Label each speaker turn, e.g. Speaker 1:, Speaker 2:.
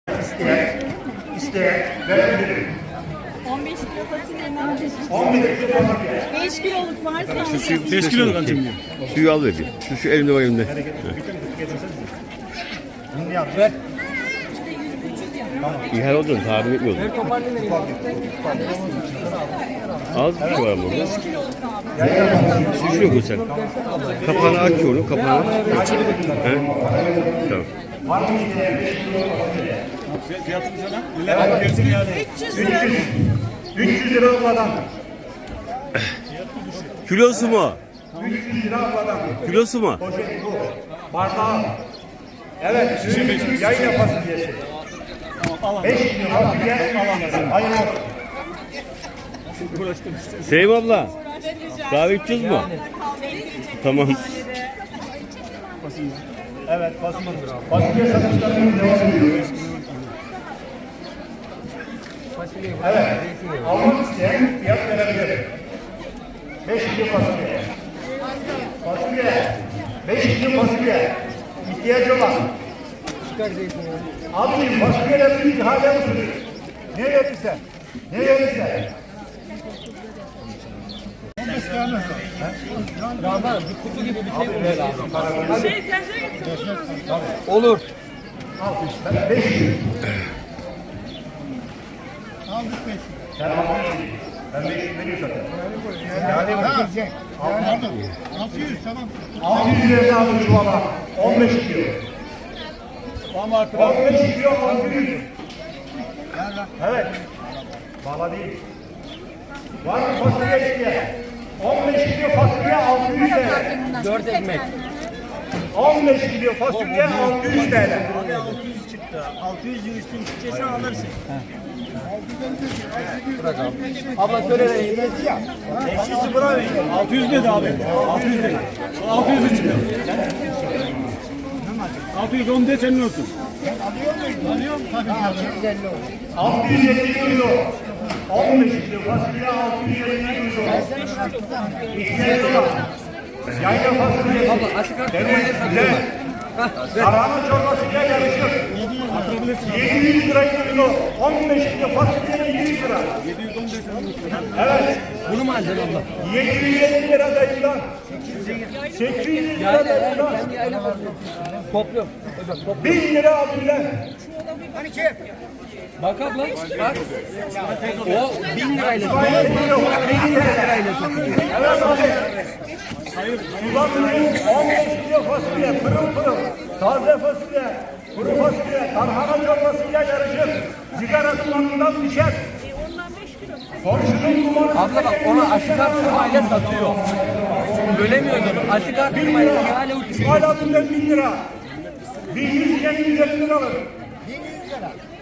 Speaker 1: İsteyen verebilirim.
Speaker 2: 15 kilo fasulyenin
Speaker 1: 15 kilo fasulye.
Speaker 2: 5 kiloluk varsa
Speaker 3: 5 kiloluk alacağım diyor.
Speaker 4: Suyu al dedi. Şu elimde var elimde.
Speaker 1: Bunu yap. Ver.
Speaker 4: İhal olduğunu tahmin etmiyordum. Az bir şey var burada.
Speaker 2: 5 kiloluk abi.
Speaker 4: Şişiyor bu sen. Kapağını aç onu, kapağını. He? Tamam.
Speaker 1: Var mı isteyen 5 kilo fasulye?
Speaker 3: Fiyatını sana. Neler gelsin yani.
Speaker 2: 300 lira.
Speaker 1: 300 lira abladan.
Speaker 4: Kilosu mu?
Speaker 1: 300 lira abladan.
Speaker 4: Kilosu mu?
Speaker 1: Poşet bu. Bardağı. Evet. Yayın fasulyesi. 5 kilo fasulye. Hayır.
Speaker 4: Sevim abla. Kahve 300 mu? Tamam.
Speaker 1: Evet fasulye. Fasulye satışlarına devam ediyoruz. Evet. Almak isteyen fiyat verebilir. 5 kilo fasulye. Fasulye. 5 kilo fasulye. İhtiyacı olan. Abicim fasulyeler bir ihale usulü. Ne verirsen. Ne verirsen.
Speaker 3: Olur.
Speaker 1: Ben 5 kilo. Sen almışsın. Ben 5 kilo veriyorum zaten. Yani verecek.
Speaker 3: 600 tamam.
Speaker 1: 600 liraya aldım çuvala. 15 kilo.
Speaker 3: Ama artık
Speaker 1: 15 kilo 600. Evet. Valla değil. Var mı fasulye isteyen? 15 kilo fasulye 600 TL.
Speaker 3: 4 ekmek.
Speaker 1: 15 kilo fasulye 600 TL.
Speaker 3: Abi 600 çıktı. 600 üstün çıkacaksa alırsın. Bırak abi. Abla söyle de.
Speaker 1: Eşisi buna verin.
Speaker 3: 600 dedi abi. 600 dedi. 600 çıktı. 610 de senin olsun. Alıyorum tabii ki.
Speaker 1: 650 kilo. 15 kilo fasulye 650 kilo. İhtiyacı olan. Yayla fasulye. Demek güzel. Tarhana çorbasıyla yarışır. 700 lira kilo. 15 kilo fasulye 700 lira.
Speaker 3: 715
Speaker 1: Evet.
Speaker 3: Bunu mu alacaksın abla?
Speaker 1: 750 lira dayıdan. 800 lira dayıdan.
Speaker 3: Topluyorum.
Speaker 1: 1000 lira abiler.
Speaker 3: Bak abla. Bak. O 1000 lirayla.
Speaker 1: 1000 lirayla. Evet abi. Ulan 15 kilo fasulye, pırıl pırıl, taze fasulye, kuru fasulye, tarhana çorbasıyla yarışır. Sigara dumanından düşer. Komşunun dumanı...
Speaker 3: Abla bak onu aşık artırmayla satıyor. Bölemiyordu. Aşık artırmayla ihale uçuyor.
Speaker 1: Hala 1000 lira. 1100 lira alır.